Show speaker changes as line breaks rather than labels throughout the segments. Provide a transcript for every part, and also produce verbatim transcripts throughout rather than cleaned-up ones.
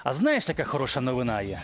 А знаєш, яка хороша новина є?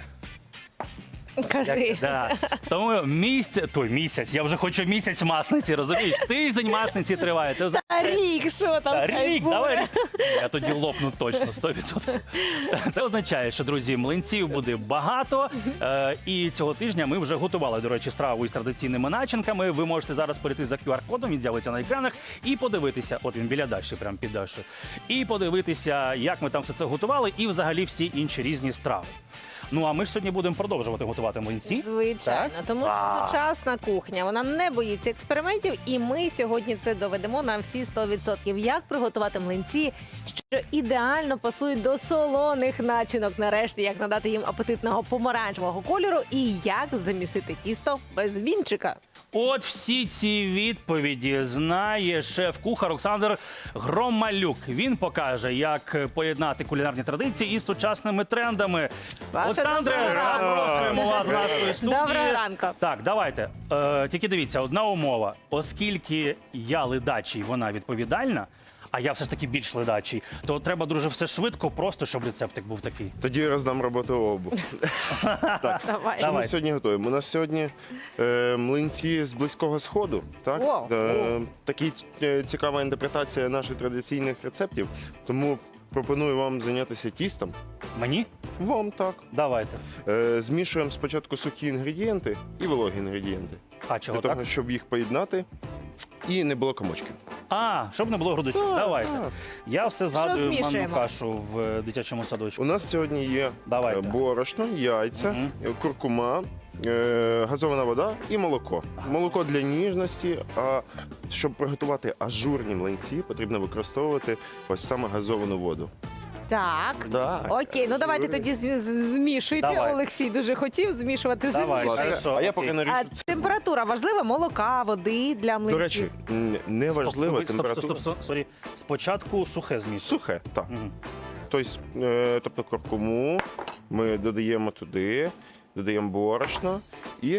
Кажи.
Як- да. Тому місяць, той місяць, я вже хочу місяць масниці, розумієш? Тиждень масниці триває. Це вже
Та рік, що там?
Та,
хай
рік,
буде.
давай. Я тоді лопну точно, сто відсотків. Це означає, що, друзі, млинців буде багато. Е, і цього тижня ми вже готували, до речі, страву із традиційними начинками. Ви можете зараз перейти за ку ар-кодом, він з'явиться на екранах, і подивитися, от він біля Даші, прямо під Дашою, і подивитися, як ми там все це готували, і взагалі всі інші різні страви. Ну, а ми ж сьогодні будемо продовжувати готувати млинці.
Звичайно,
Так?
тому що
А.
сучасна кухня, вона не боїться експериментів, і ми сьогодні це доведемо на всі сто відсотків. Як приготувати млинці, що ідеально пасують до солоних начинок, нарешті, як надати їм апетитного помаранчевого кольору і як замісити тісто без вінчика.
От всі ці відповіді знає шеф-кухар Олександр Громалюк. Він покаже, як поєднати кулінарні традиції із сучасними трендами.
Саша,
Олександре,
доброго ранку.
запрошуємо вас в нашу студію.
Доброго ранку.
Так, давайте. Е, тільки дивіться, одна умова. Оскільки я ледачий, вона відповідальна, а я все ж таки більш ледачий, то треба дуже все швидко, просто щоб рецептик був такий.
Тоді я роздам роботу обу. Так,
Давай.
що ми
Давай.
сьогодні готуємо? У нас сьогодні е, млинці з Близького Сходу. Так?
О,
Е, Такі е, цікава інтерпретація наших традиційних рецептів. Тому пропоную вам зайнятися тістом.
Мені?
Вам так.
Давайте.
Е, Змішуємо спочатку сухі інгредієнти і вологі інгредієнти.
А чого
Для
так?
того, щоб їх поєднати і не було комочків.
А, щоб не було грудочок.
Так,
Давайте.
так.
Я все згадую манну
змішуємо?
кашу в е, дитячому садочку.
У нас сьогодні є
Давайте.
е, борошно, яйця,
Мгм.
е, куркума, е, газована вода і молоко. Молоко для ніжності, а щоб приготувати ажурні млинці, потрібно використовувати ось саме газовану воду.
Так.
Так.
Окей, ну давайте тоді зм- з- змішуйте.
Давай.
Олексій дуже хотів змішувати.
Давай,
змішуй.
хорошо.
А я
окей.
поки наріжу
А
це.
температура важлива? Молока, води для млинців?
До речі, м, не важлива
Стоп, стоп,
температура.
стоп, стоп, стоп, сорі. Спочатку сухе зміс.
Сухе, так.
Мгм.
Тобто, е, тобто куркуму ми додаємо туди, додаємо борошно і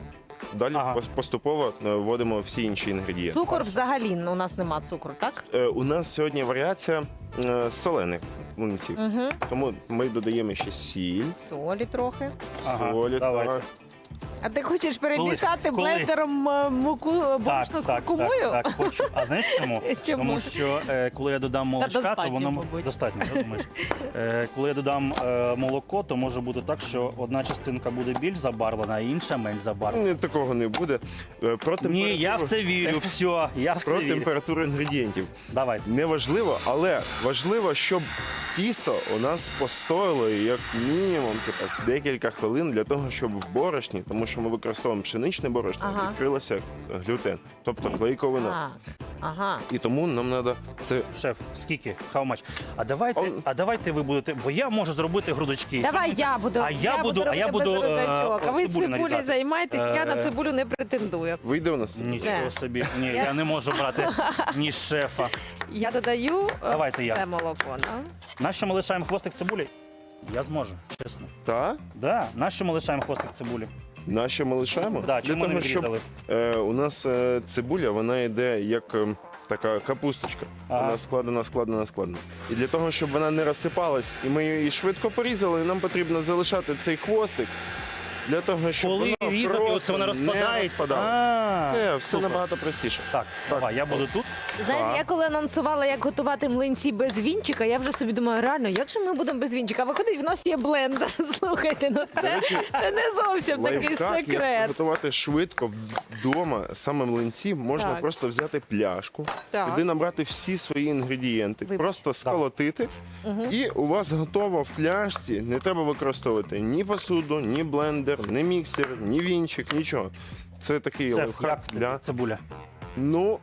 далі
Ага.
пос- поступово е, вводимо всі інші інгредієнти.
Цукор взагалі у нас нема цукру, так?
Е, У нас сьогодні варіація е, солених млинців.
Угу.
Тому ми додаємо ще сіль,
Солі трохи.
Ага,
солі.
давайте.
так.
А ти хочеш перемішати
коли?
блендером е, муку е, борошно з куркумою?
Так, так, хочу. А знаєш чому?
Чому?
Тому що е, коли я додам молочка, то
достатньо,
воно
мабуть.
достатньо, я думаю. Е, коли я додам е, молоко, то може бути так, що одна частинка буде більш забарвлена, а інша менш забарвлена.
Ні, такого не буде. Е, Про
Ні, я в це вірю. Все, я в це
Про
вірю.
температуру інгредієнтів.
Давайте.
Неважливо, але важливо, щоб тісто у нас постояло як мінімум типу, декілька хвилин для того, щоб в борошні, тому що ми використовуємо пшеничне борошно,
Ага.
відкрилося глютен, тобто клейковина.
А, ага.
І тому нам треба це.
Шеф, скільки? How much? А давайте,
Он-
а давайте ви будете, бо я можу зробити грудочки.
Давай я буду.
А я буду- а я
робити
буду,
без
е,
грудочок. А ви
цибулю
цибулею
нарізати.
займайтесь, я на
Е,
цибулю не претендую.
Вийде у нас?
Нічого
Все.
собі. Ні, я не можу брати ні шефа.
Я додаю е,
Давайте я.
це молоко. Да?
Нащо ми лишаємо хвостик цибулі? Я зможу, чесно.
Так?
Да, нащо ми лишаємо хвостик цибулі?
На що ми лишаємо?
Да, чому не
того, щоб
відрізали?
е, у нас е, цибуля, вона йде як е, така капусточка.
Ага.
Вона складена, складена, складена. І для того, щоб вона не розсипалась, і ми її швидко порізали, нам потрібно залишати цей хвостик. Для того, щоб
Коли
вона
різати, ось
просто
вона
не
розпадається.
розпадалась.
А,
Все, все
супер.
набагато простіше.
Так, давай, я буду тут.
Знаєте,
Так.
я коли анонсувала, як готувати млинці без вінчика, я вже собі думаю, реально, як же ми будемо без вінчика? Виходить, в нас є блендер. Слухайте, ну це, це не зовсім такий
Лайфхак, як
секрет.
готувати швидко вдома саме млинці, можна
Так.
просто взяти пляшку,
Так.
туди набрати всі свої інгредієнти,
Вибач.
просто сколотити, і у вас готово в пляшці. Не треба використовувати ні посуду, ні блендер, ні міксер, ні вінчик, нічого. Це такий
Шеф,
лайфхак
як
для
цибуля?
ну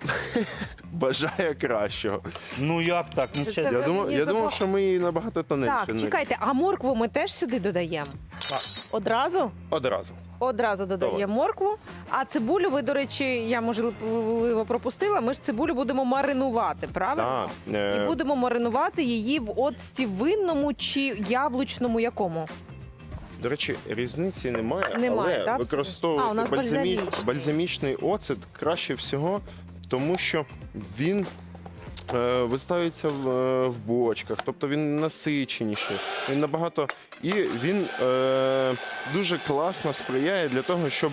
бажає кращого.
Ну як так? Ну
Це
чесно.
Я
вже
думав,
мені
я
запах-
думав, що ми її набагато тоненше.
Так,
наріжемо.
чекайте, а моркву ми теж сюди додаємо?
Так.
Одразу?
Одразу.
Одразу додаємо
Давай.
моркву. А цибулю ви, до речі, я можливо пропустила. Ми ж цибулю будемо маринувати, правильно?
Так, е,
І будемо маринувати її в оцті винному чи яблучному якому?
До речі, різниці немає,
Немає,
але
так? А, у
використовувати
нас
бальзамі-
бальзамічний.
бальзамічний оцет краще всього, тому що він е, виставиться в, е, в бочках, тобто він насиченіший, він набагато і він е, дуже класно сприяє для того, щоб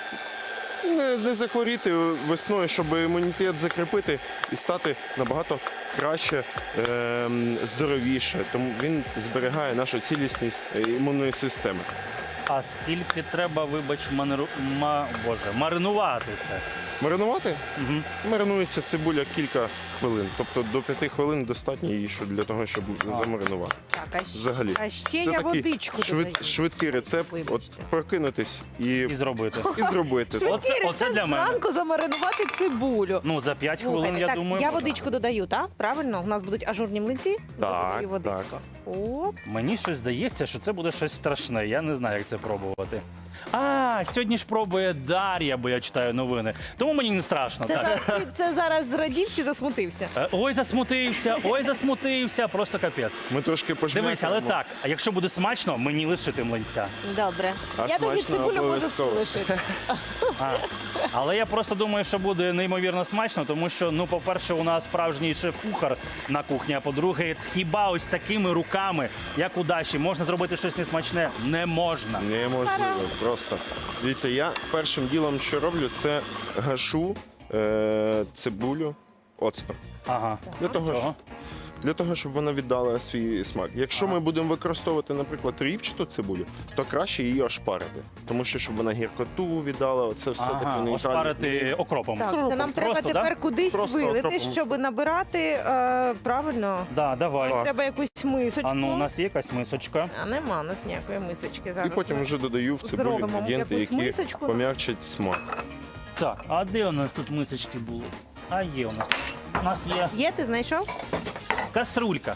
не, не захворіти весною, щоб імунітет закріпити і стати набагато краще, е, здоровіше. Тому він зберігає нашу цілісність е, імунної системи.
А скільки треба, вибач, манеру... ма... Боже, маринувати це?
Маринувати?
Угу.
Маринується цибуля кілька хвилин. Тобто до п'яти хвилин достатньо її що- для того, щоб замаринувати.
Так, а, щ-
Взагалі.
а ще
Це
я
такий
водичку
швид,
додаю.
швидкий рецепт. От
Вибачте.
прокинутись і,
І зробити.
і зробити.
Швидкий
Оце- оце
рецепт
для мене.
зранку замаринувати цибулю.
Ну, за п'ять хвилин,
Слухайте,
я
так,
думаю.
я
можна.
водичку додаю, так? Правильно? У нас будуть ажурні млинці?
Так,
Додаю водичку.
так.
Оп.
Мені щось здається, що це буде щось страшне. Я не знаю, як це пробувати. А, сьогодні ж пробує Дар'я, бо я читаю новини. Тому мені не страшно.
Це,
так.
за- ти це зараз зрадів чи засмутився?
Е, Ой, засмутився, ой, засмутився, просто капець.
Ми трошки пожмякаємо.
Дивись, але так, а якщо буде смачно, мені лишити млинця.
Добре.
А
я тоді
смачно
цибулю можу всю
обов'язково.
лишити.
А, але я просто думаю, що буде неймовірно смачно, тому що, ну, по-перше, у нас справжній шеф-кухар на кухні, а по-друге, хіба ось такими руками, як у Даші, можна зробити щось несмачне? Не можна.
Неможливо, просто. Дивіться, я першим ділом, що роблю, це гашу е, цибулю оцтом.
Ага.
Для того,
Чого?
для того, щоб вона віддала свій смак. Якщо ми будемо використовувати, наприклад, рівчату цибулю, то краще її ошпарити. Тому що, щоб вона гіркоту віддала, оце все таке
Ага,
нейтральне.
оспарити окропом.
Так, це нам треба
Просто,
тепер
да?
кудись
Просто
вилити,
окропом.
щоб набирати е, правильно.
Да, давай.
Так.
Треба якусь мисочку.
А ну, у нас є якась мисочка.
А нема у нас ніякої мисочки зараз.
І потім вже додаю в цибулю
Зробимо
інгредієнти,
якусь
які
мисочку.
пом'якчать смак.
Так, а де у нас тут мисочки були? А є у нас. У нас є
Є, ти знайшов?
каструлька.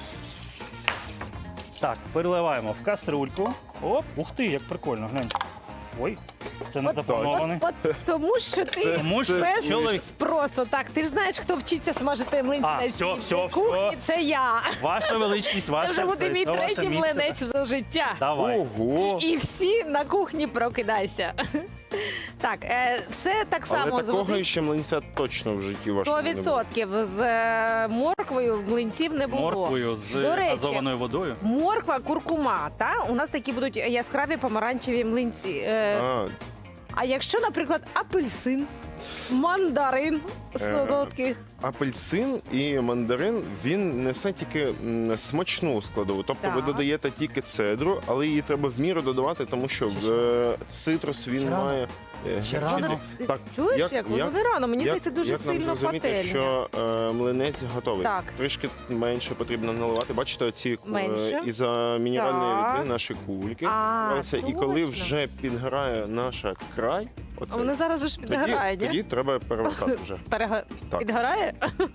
Так, переливаємо в каструльку. Оп, ух ти, як прикольно, глянь. Ой, це не
От-
заплановане.
От, от тому що ти
Тому що
без
чоловік-
спросу. Так, ти ж знаєш, хто вчиться смажити млинці
А,
на
все,
цій
все,
кухні,
все.
це я.
Ваша величність,
Це
ваша
вже буде мій
це ваше
третій
місце.
млинець за життя.
Давай.
Ого!
І всі на кухні прокидайся. Так, е, все так
Але
само з
такого
води.
ще млинця точно в житті вашому
Сто
не було.
відсотків з е, морквою млинців не було.
Морквою з
До речі,
газованою водою.
Морква, куркума, та у нас такі будуть яскраві помаранчеві млинці. Е,
А,
а якщо, наприклад, апельсин, мандарин солодкий.
апельсин і мандарин, він несе тільки м, смачну складову. Тобто ви
Так.
додаєте тільки цедру, але її треба в міру додавати, тому що е, цитрус він
Ще рано.
має. е,
Ще
гірчити.
рано.
Ти
Так,
чуєш,
як-
як, воно
як-
не рано? Мені
Як-
здається, дуже
як нам
сильно
зрозуміти,
пательня.
що е, млинець готовий?
Так.
Трішки менше потрібно наливати. Бачите, оці
Менше.
е, із-за мінеральної
Так.
води наші кульки.
А,
збираються. І коли
точно.
вже підгорає наша край,
А
оце,
воно зараз же ж підгорає,
тоді,
ні?
тоді треба перевертати вже.
Перего...
Так.
Підгорає?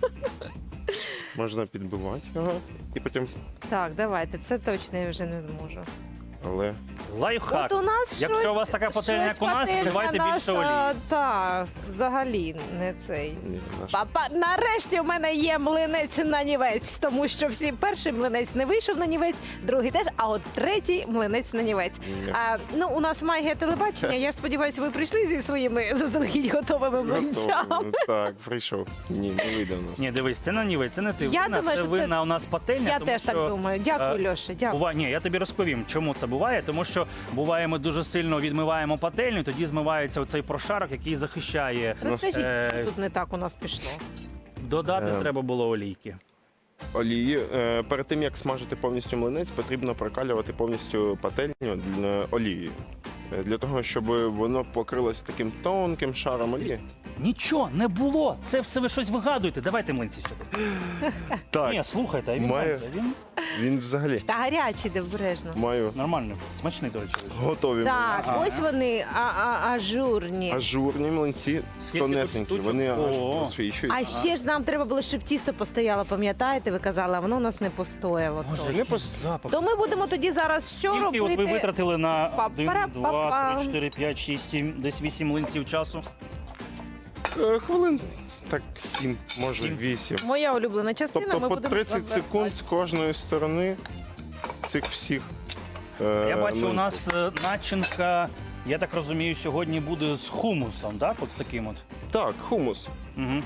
Можна підбивати його і потім.
Так, давайте, це точно я вже не зможу.
Але
Лайфхак.
От у нас
Якщо
щось,
у вас така пательня,
щось
як у нас, то
пательня
давайте більше
наша,
олії.
Так, взагалі не цей.
ні, наш
Папа, нарешті в мене є млинець на нівець, тому що всі перший млинець не вийшов на нівець, другий теж, а от третій млинець на нівець.
Ні.
А, ну, у нас магія телебачення. Я ж сподіваюся, ви прийшли зі своїми заздалегідь готовими млинцями.
готовий. Так, прийшов. Ні, не вийде у нас.
Ні, дивись, це на нівець, це не ти.
Я
винна,
думаю,
це
що це-
винна у нас пательня.
Я
тому
теж так
що,
думаю. Дякую,
е,
Льоша, дякую.
Буває, ні, я тобі розповім, чому це буває. Тому що буває, ми дуже сильно відмиваємо пательню, тоді змивається оцей прошарок, який захищає.
Розкажіть,
Е,
що тут не так у нас пішло.
Додати
Е.
треба було олійки.
Олії. Е, Перед тим як смажити повністю млинець, потрібно прокалювати повністю пательню для- олією. Е, Для того, щоб воно покрилось таким тонким шаром олії.
Нічого не було. Це все ви щось вигадуєте. Давайте млинці сюди.
Так,
Ні, слухайте, а він,
Має-
він
він взагалі
Та гарячий, де обережно.
маю
нормально. Смачний, до речі. вийшов.
готові
Так,
млинці.
ось вони а, а, ажурні.
Ажурні млинці,
Скільки
тонесенькі,
тут
вони
штучок?
аж
О.
просвічують.
А ще ж нам треба було, щоб тісто постояло, пам'ятаєте? Ви казали, а воно у нас не постояло.
Боже,
то.
Не
який
пос-
запах.
То ми будемо тоді зараз що
Скільки от
робити?
ви витратили на один,
Па-пара-па-пам.
два, три, чотири, п'ять, шість, сім, десь вісім млинців часу?
Е, Хвилин так сім, може
Сім.
вісім.
Моя улюблена частина.
Тобто
ми
по
будемо
тридцять
розвертати.
секунд з кожної сторони цих всіх. е,
Я бачу, у
млинців.
нас е, начинка, я так розумію, сьогодні буде з хумусом, так? От таким от.
Так, хумус.
Угу.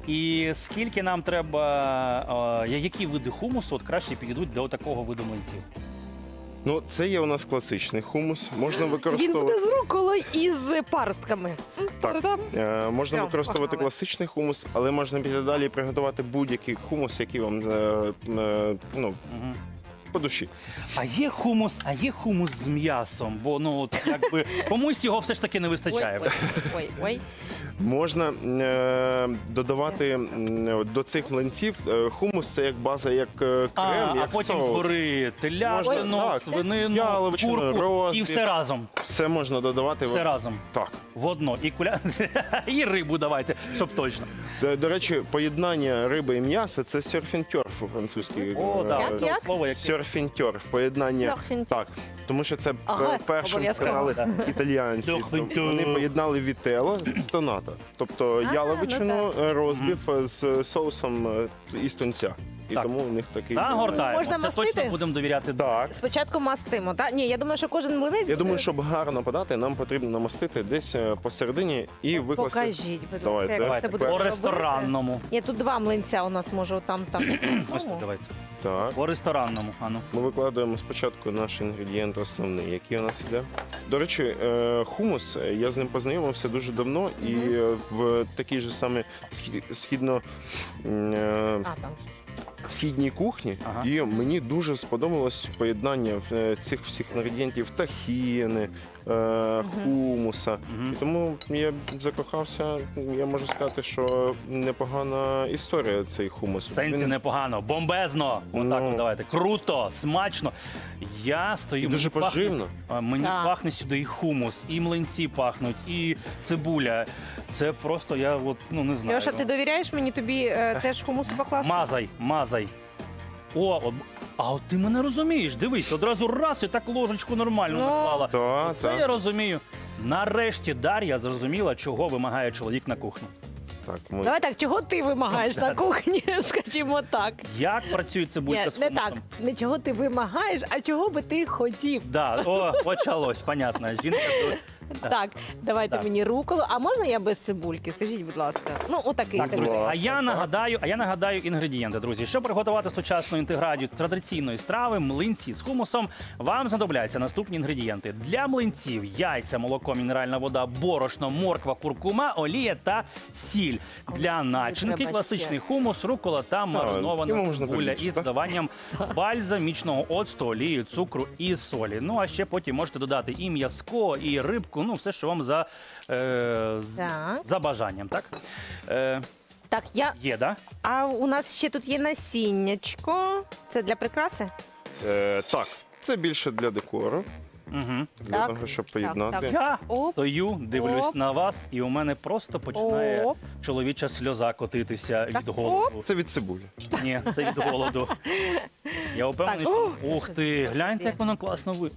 І скільки нам треба, е, які види хумусу от краще підійдуть до такого виду млинців?
Ну, це є у нас класичний хумус. Можна
Він
використовувати.
буде з руколою і з паростками. М,
Так.
та-дам.
Е, можна
Все,
використовувати
погнали.
класичний хумус, але можна піти далі і приготувати будь-який хумус, який вам е, е, ну,
Угу.
по душі.
А є хумус, а є хумус з м'ясом, бо ну от якби комусь його все ж таки не вистачає.
Ой, ой, ой.
Можна е, додавати м, до цих млинців е, хумус, це як база, як е,
А,
крем,
а
як
потім
соус.
згори телятину,
Можна, так.
свинину,
Яловичину,
курку і
розбив.
все разом.
Все можна додавати.
Все
в-
разом.
Так.
В одно. І куля... і рибу давайте, щоб точно.
До, до речі, поєднання риби і м'яса це серфінтьорф по-французьки.
О,
Е,
так,
Як,
це
як?
слово яке.
Серфінтьорф, поєднання.
Серфінтьорф.
Так, тому що це
Ага,
пер- першим
обов'язково.
сказали
Да.
італіянці.
Серфінтьорф.
Вони поєднали вітело з тоната. Тобто
А,
яловичину
ну
е, розбив е, з соусом е, із тунця. І
Так.
тому у них такий.
Загортаємо.
Можна
Це
мастити?
точно будемо довіряти.
Так.
Спочатку мастимо, так? Ні, я думаю, що кожен млинець
Я
буде-
думаю, щоб гарно подати, нам потрібно намастити десь е, посередині і викласти.
Покажіть, будь ласка,
Давайте.
як
Давайте
це буде
по
робити.
ресторанному.
Ні, тут два млинця у нас, може, там, там.
Ось тут давайте.
Так.
По ресторанному. Ану.
Ми викладаємо спочатку наш інгредієнт основний, який у нас іде. До речі, е, хумус, е, я з ним познайомився дуже давно, і е, в такій же саме схі- східно м, е,
А, там.
східній кухні,
Ага.
і мені дуже сподобалось поєднання е, цих всіх інгредієнтів тахіни, е, хумуса.
Мгм.
І тому я закохався. Я можу сказати, що непогана історія цей хумус.
В сенсі
Він
непогано, бомбезно. Отак,
Ну.
от давайте. Круто, смачно. Я стою.
І дуже
мені пахне-
поживно.
а, Мені
Так.
пахне сюди і хумус, і млинці пахнуть, і цибуля. Це просто я от, ну не знаю.
Льоша, ти довіряєш мені тобі е, теж хумус покласти?
Мазай, мазай. О, от, а от ти мене розумієш. Дивись, одразу раз і так ложечку нормально
Ну.
наклала.
Та,
Це
та.
я розумію. Нарешті Дар'я зрозуміла, чого вимагає чоловік на кухні.
Так, ми...
Давай так, чого ти вимагаєш на кухні, скажімо так.
Як працює цибулька
Ні,
з
не
хумусом?
так, не чого ти вимагаєш, а чого би ти хотів.
Да, о, почалось, понятно. Жінка тут.
Так, давайте
Так.
мені руколу. А можна я без цибульки? Скажіть, будь ласка. Ну, отакий
Так, друзі,
цибулька.
а я нагадаю, а я нагадаю інгредієнти, друзі. Щоб приготувати сучасну інтеграцію традиційної страви, млинці з хумусом, вам знадобляться наступні інгредієнти. Для млинців яйця, молоко, мінеральна вода, борошно, морква, куркума, олія та сіль. Для начинки
треба
класичний
ще.
хумус, рукола та
його
маринована
можна
цибуля
побільше,
із
так?
додаванням бальзамічного оцту, олії, цукру і солі. Ну а ще потім можете додати і м'язко, і рибку, ну все, що вам за, е, з-
Так.
за бажанням, так? Е,
Так, я.
є, да?
А у нас ще тут є насіннячко. Це для прикраси?
Е, так, це більше для декору,
Угу.
для
Так,
того, щоб
так,
поєднати.
так.
Я
Оп.
стою, дивлюсь
Оп.
на вас, і у мене просто починає
Оп.
чоловіча сльоза котитися
Так,
від голоду.
Це від цибулі.
Ні, це від голоду. Я впевнений,
Так,
що
ух.
ух ти, гляньте, як воно класно ви.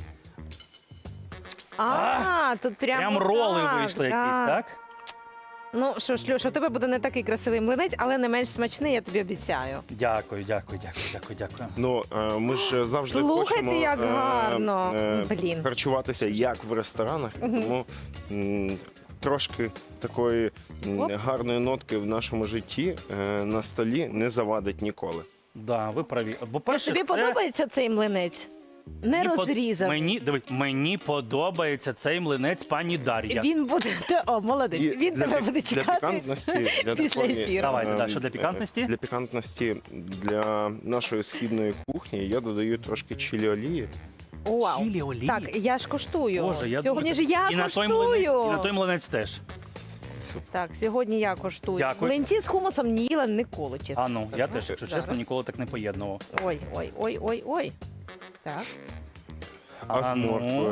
А, тут прямо
Прям роли
так,
вийшли
да.
якісь, так?
Ну що ж, Льоша, у тебе буде не такий красивий млинець, але не менш смачний, я тобі обіцяю.
Дякую, дякую, дякую, дякую, дякую.
Ну, е, ми ж завжди
Слухайте,
хочемо
як
е,
гарно.
е,
Блін.
харчуватися як в ресторанах, і тому м, трошки такої м,
Оп.
гарної нотки в нашому житті е, на столі не завадить ніколи.
Да, ви праві. Бо перше,
Тобі
це...
подобається цей млинець? Не
мені под-
розрізаний.
Мені, дивись, мені подобається цей млинець пані Дар'я.
Він буде. О, молодець.
І
Він
для
тебе
пік-
буде
для
чекати.
пікантності, для
після
такої,
ефіру.
Давайте,
е,
да, що для пікантності?
Для пікантності для нашої східної кухні я додаю трошки чилі олії.
Вау.
Чилі олії.
Так, я ж коштую.
Боже, я
Сьогодні
думаю,
ж я
і на той
коштую.
млинець, і на той млинець теж.
Так, сьогодні я коштую.
Дякую.
Млинці з хумусом не їла ніколи, чесно.
А ну, я
скажу.
теж, якщо
Зараз.
чесно, ніколи так не поєднував.
Ой, ой, ой, ой, ой. Так.
А з
ну.
морквою.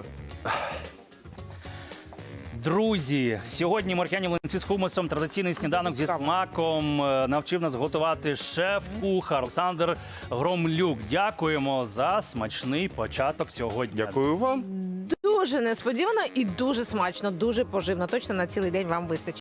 Друзі, сьогодні моркяні млинці з хумусом, традиційний сніданок зі смаком. Е, Навчив нас готувати шеф-кухар Олександр Громлюк. Дякуємо за смачний початок сьогодні.
Дякую вам.
Дуже несподівано і дуже смачно, дуже поживно. Точно на цілий день вам вистачить.